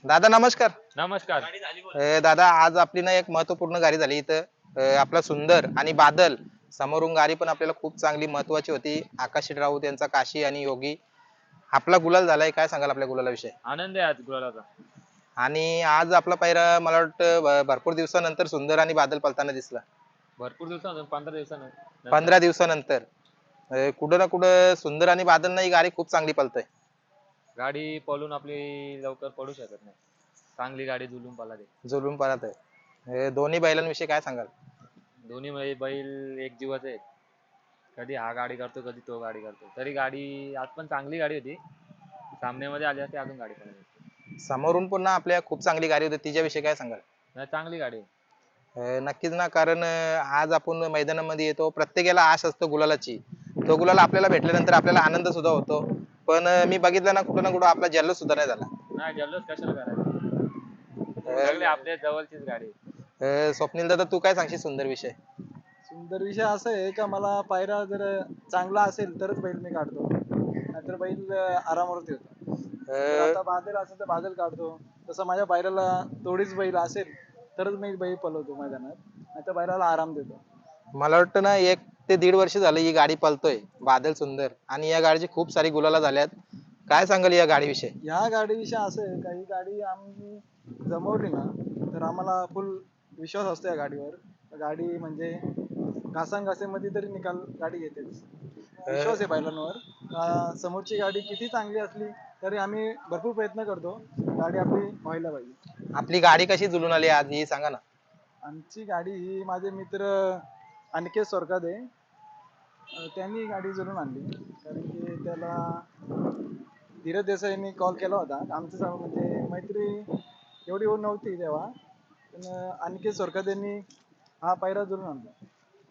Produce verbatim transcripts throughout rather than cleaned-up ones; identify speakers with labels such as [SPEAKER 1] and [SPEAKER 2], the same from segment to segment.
[SPEAKER 1] दादा नमस्कार.
[SPEAKER 2] नमस्कार.
[SPEAKER 1] अ, दादा आज आपली ना एक महत्वपूर्ण गाडी झाली इथं. अ, आपला सुंदर आणि बादल समोरून गाडी पण आपल्याला खूप चांगली महत्वाची होती. आकाश राऊत यांचा काशी आणि योगी आपला गुलाल झालाय. काय सांगाल आपल्या गुलालाविषयी?
[SPEAKER 2] आनंद आहे आज गुलालाचा.
[SPEAKER 1] आणि आज आपला पहिला मला वाटतं भ- भरपूर दिवसानंतर सुंदर आणि बादल पळताना दिसला.
[SPEAKER 2] भरपूर दिवसानंतर पंधरा दिवसानंतर
[SPEAKER 1] पंधरा दिवसानंतर अ, कुठं ना कुठं सुंदर आणि बादल ही गाडी खूप चांगली पळतय.
[SPEAKER 2] गाडी पळून आपली लवकर पडू शकत नाही. चांगली गाडी जुलून पळाली.
[SPEAKER 1] जुलून पळत आहे. अ, दोन्ही बैलांविषयी काय सांगाल?
[SPEAKER 2] दोन्ही बै- बैल एक जीवाचे आहेत. कधी हा गाडी करतो कधी तो गाडी करतो. तरी गाडी आज पण चांगली गाडी होती. सामन्यामध्ये आली असती अजून गाडी पळाली असती.
[SPEAKER 1] समोरून पुन्हा आपल्या खूप चांगली गाडी होती तिच्याविषयी काय सांगाल?
[SPEAKER 2] नाही, चांगली गाडी आहे.
[SPEAKER 1] अ, नक्कीच ना कारण अ, आज आपण मैदानामध्ये येतो प्रत्येकाला आश असतो गुलालाची. तो गुलाल आपल्याला भेटल्यानंतर आपल्याला आनंद सुद्धा होतो. पण अ, मी बघितलं ना कुठं ना कुठं आपला जल्लोष सुद्धा नाही झाला.
[SPEAKER 2] नाही, जल्लोष कशाला करायचा. सगळे
[SPEAKER 1] अ,
[SPEAKER 2] आपल्या जवळचीच गाडी आहे.
[SPEAKER 1] अ, स्वप्नील दादा तू काय सांगशील सुंदर विषय?
[SPEAKER 3] सुंदर विषय असा आहे का मला पायरा जर चांगला असेल तरच बैल मी काढतो, नाहीतर बैल अं, आरामावर ठेवतो. जर
[SPEAKER 1] अ,
[SPEAKER 3] आता बादल असेल तर बादल काढतो. तसं माझ्या बैलाला तोडीच बैल असेल तरच मी बैल पळवतो मैदानात, नाहीतर बैलाला आराम देतो.
[SPEAKER 1] मला वाटतं ना एक ते दीड वर्ष झालं ही गाडी पळतोय बादल सुंदर आणि या गाडीची खूप सारी गुलाला झाल्यात. काय सांगाल या गाडीविषयी?
[SPEAKER 3] ह्या गाडीविषयी असं आहे का ही गाडी आम्ही जमवली ना तर आम्हाला फुल विश्वास असतो या गाडीवर. गाडी म्हणजे घासांघासीमध्ये तरी निकाल गाडी घेतेच. विश्वास आहे बैलांवर. अं, समोरची गाडी किती चांगली असली तरी आम्ही भरपूर प्रयत्न करतो गाडी आपली व्हायला पाहिजे.
[SPEAKER 1] आपली गाडी कशी जुलून आली आज ही सांगा ना.
[SPEAKER 3] आमची गाडी ही माझे मित्र अनिकेत सोरकादे अं, त्यांनी ही गाडी जुळून आणली. कारण की त्याला धीरज देसाईंनी कॉल केला होता. आमचं स- म्हणजे मैत्री एवढी होत नव्हती तेव्हा, पण अं, अनिकेत सोरकादेंनी हा पायरा जुळून आणला.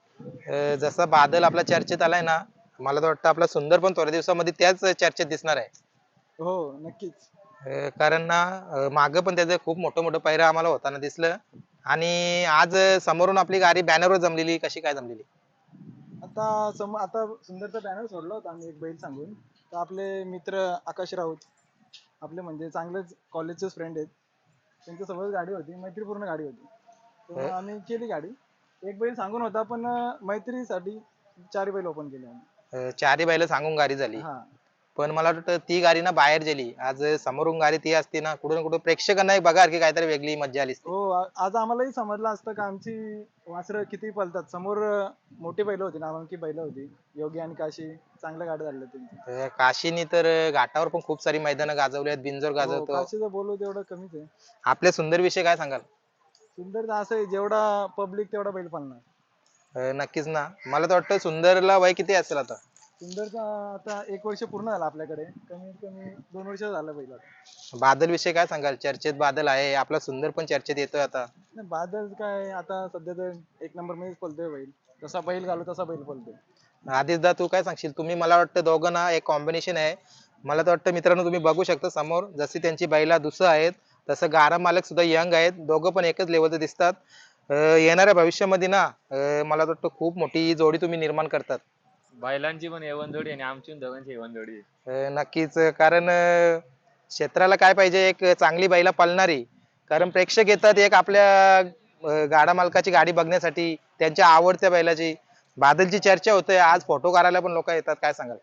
[SPEAKER 1] अ, जसा बादल आपला चर्चेत आलाय ना मला तर वाटतं आपला सुंदर पण थोड्या दिवसामध्ये त्याच चर्चेत दिसणार आहे.
[SPEAKER 3] हो, नक्कीच.
[SPEAKER 1] अ, कारण ना माग पण त्याचं खूप मोठं मोठं पायऱ्या आम्हाला होताना दिसलं. आणि आज अ, समोरून आपली गाडी बॅनरवर जमलेली कशी काय जमलेली?
[SPEAKER 3] आता सम आता सुंदरचा बॅनर सोडला होता आम्ही एक बैल सांगून. तर आपले मित्र आकाश राऊत, आपले म्हणजे चांगलेच कॉलेजचेच फ्रेंड आहेत. त्यांच्यासोबत गाडी होती, मैत्रीपूर्ण गाडी होती. तर
[SPEAKER 1] अ,
[SPEAKER 3] मग आम्ही केली गाडी. एक बैल सांगून होता, पण अं, मैत्रीसाठी चार बैल ओपन केले आम्ही.
[SPEAKER 1] अ, चारही बैल सांगून गाडी झाली.
[SPEAKER 3] हा.
[SPEAKER 1] पण मला वाटतं ती गाडी ना बाहेर गेली. आज समोरून गाडी ती असती ना कुठं ना कुठं प्रेक्षकांना बघा की काहीतरी वेगळी मज्जा आली असती.
[SPEAKER 3] हो, आ- आज आम्हालाही समजलं असतं का आमची वासरं किती पळतात. समोर अं, मोठी बैल होती, नामांकित बैल होती. योगी आणि काशी चांगल्या गाड्या झाल्या त्यांची.
[SPEAKER 1] अ, काशीनी तर अ, घाटावर पण खूप सारी मैदानं गाजवली आहेत. बिंजोर
[SPEAKER 3] हो,
[SPEAKER 1] गाजवतो.
[SPEAKER 3] काशीचं बोलू तेवढं कमीच आहे.
[SPEAKER 1] आपल्या सुंदर विषय काय सांगाल?
[SPEAKER 3] सुंदर असं आहे, जेवढा पब्लिक तेवढा बैल पळणार.
[SPEAKER 1] अ, नक्कीच ना. मला तर वाटतं सुंदरला वय किती असेल आता?
[SPEAKER 3] सुंदरचा आता एक वर्ष पूर्ण झालं आपल्याकडे. कमीत कमी दोन वर्ष झालं बैल आता.
[SPEAKER 1] बादल विषय काय सांगाल? चर्चेत बादल आहे. आपला सुंदर पण चर्चेत येतोय आता.
[SPEAKER 3] नाही, बादल काय आता सध्या तर एक नंबर मध्येच पळतोय बैल. जसा बैल घालू तसा बैल पळतोय.
[SPEAKER 1] आदित्यदा तू काय सांगशील? तुम्ही मला वाटतं दोघं ना एक कॉम्बिनेशन आहे. मला तर वाटतं मित्रांनो तुम्ही बघू शकता समोर जशी त्यांची बैला दुसरं आहेत तसं गारा मालक सुद्धा यंग आहेत. दोघं पण एकच लेवलचे दिसतात. अ, येणाऱ्या भविष्यामध्ये ना अ, मला तर वाटतं खूप मोठी जोडी तुम्ही निर्माण करतात.
[SPEAKER 2] बैलांची पण एवन जोडी आणि आमची पण दोघांची एवन जोडी आहे.
[SPEAKER 1] अ, नक्कीच कारण अ, क्षेत्राला काय पाहिजे एक चांगली बैला पळणारी. कारण प्रेक्षक येतात एक आपल्या अ, गाडा मालकाची गाडी बघण्यासाठी त्यांच्या आवडत्या बैलाची. बादलची चर्चा होते आज फोटो काढायला पण लोक येतात काय सांगाल?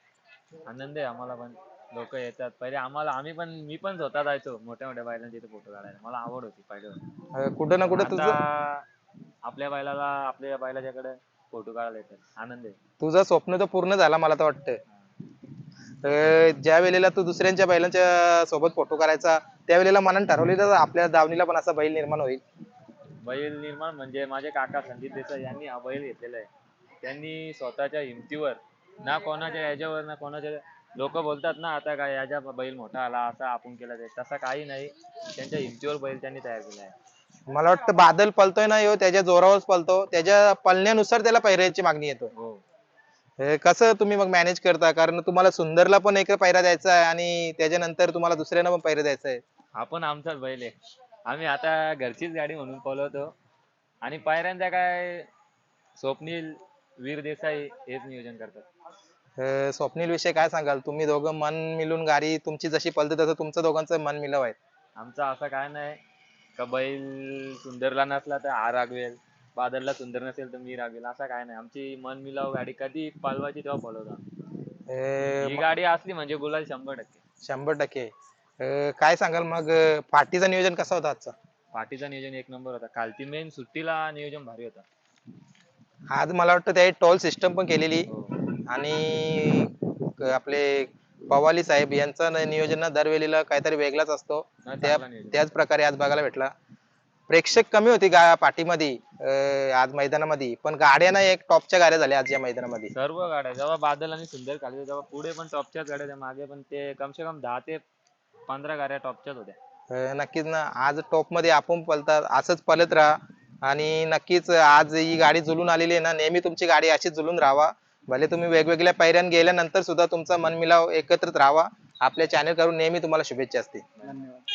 [SPEAKER 2] आनंद आहे आम्हाला पण. लोक येतात. पहिले आम्हाला आम्ही पण मी पण स्वतः जायचो मोठ्या मोठ्या बैलांच्या इथे फोटो काढायला. मला आवड होती पहिले.
[SPEAKER 1] अ, कुठं ना
[SPEAKER 2] पण
[SPEAKER 1] कुठं
[SPEAKER 2] आता
[SPEAKER 1] तुझं
[SPEAKER 2] आपल्या बैलाला आपल्या बैलाच्याकडे फोटो काढायला येतात. आनंद आहे.
[SPEAKER 1] तुझं स्वप्न तर पूर्ण झाला मला तर वाटतं. अ, ज्या वेळेला तू दुसऱ्यांच्या बैलांच्या सोबत फोटो करायचा त्यावेळेला मनात ठरवलेलं आपल्या दावणीला पण असा बैल निर्माण होईल.
[SPEAKER 2] बैल निर्माण म्हणजे माझे काका संदीप देसाई यांनी हा बैल घेतलेला आहे. त्यांनी स्वतःच्या हिमतीवर ना कोणाच्या याच्यावर ना कोणाच्या लोक बोलतात ना आता काय याच्या बैल मोठा आला असा आपण केला ते तसा काही नाही. त्यांच्या हिमतीवर बैल त्यांनी तयार केला आहे.
[SPEAKER 1] मला वाटतं बादल पळतोय ना ह्यो त्याच्या जोरावरच पळतो. त्याच्या पळण्यानुसार त्याला पैऱ्याची मागणी येतो.
[SPEAKER 2] हो.
[SPEAKER 1] हे कसं तुम्ही मग मॅनेज करता? कारण तुम्हाला सुंदरला पण एक पैरा द्यायचा आहे आणि त्याच्यानंतर तुम्हाला दुसऱ्यांना पण पैरा द्यायचा आहे.
[SPEAKER 2] आपण आमचाच बैल आहे. आम्ही आता घरचीच गाडी म्हणून पळवतो आणि पायऱ्यांचा काय स्वप्नील वीर देसाई हेच नियोजन करतात.
[SPEAKER 1] अ, स्वप्नील विषय काय सांगाल? तुम्ही दोघं मन मिळून गाडी तुमची जशी पळते तसं तुमचं दोघांचं मन मिळव आहे.
[SPEAKER 2] आमचा असं काय नाही का बैल सुंदरला नसला तर हा रागवेल, बादलला सुंदर नसेल तर मी रागवेल, असं काय नाही. आमची मन मिलाव गाडी कधी पालवायची तेव्हा पळवतो.
[SPEAKER 1] अं,
[SPEAKER 2] ही
[SPEAKER 1] म-
[SPEAKER 2] गाडी असली म्हणजे गुलाल शंभर टक्के.
[SPEAKER 1] शंभर टक्के अं, काय सांगाल मग अं, पाठीचं नियोजन कसं होतं आजचा?
[SPEAKER 2] पाठीचा नियोजन एक नंबर होता. कालची मेन सुट्टीला नियोजन भारी होता.
[SPEAKER 1] आज मला वाटतं त्या टोल सिस्टम पण केलेली
[SPEAKER 2] हो.
[SPEAKER 1] आणि क- आपले पवाली साहेब यांचा न- नियोजन ना दरवेळेला काहीतरी वेगळाच असतो.
[SPEAKER 2] नाही,
[SPEAKER 1] त्या
[SPEAKER 2] चांगला नियोजन.
[SPEAKER 1] त्याच प्रकारे आज बघायला भेटला. प्रेक्षक कमी होती गा पाठीमध्ये अं, आज मैदानामध्ये, पण गाड्या ना एक टॉपच्या गाड्या झाल्या आज या मैदानामध्ये.
[SPEAKER 2] सर्व गाड्या जेव्हा बादल आणि सुंदर खाली तेव्हा पुढे पण टॉपच्याच गाड्या होत्या, मागे पण ते कम से कम दहा ते पंधरा गाड्या टॉपच्याच होत्या.
[SPEAKER 1] अं, नक्कीच ना, आज टॉप मध्ये आपण पळतात असंच पळत राहा आणि नक्कीच आज ही गाडी जुलून आलेली आहे ना, नेहमी तुमची गाडी अशीच जुलून राहावा. भले तुम्ही वेगवेगळ्या पायऱ्यान गेल्यानंतर सुद्धा तुमचा मनमिलाव एकत्रित राहावा. आपल्या चॅनल करून नेहमी तुम्हाला शुभेच्छा असतील.
[SPEAKER 3] धन्यवाद.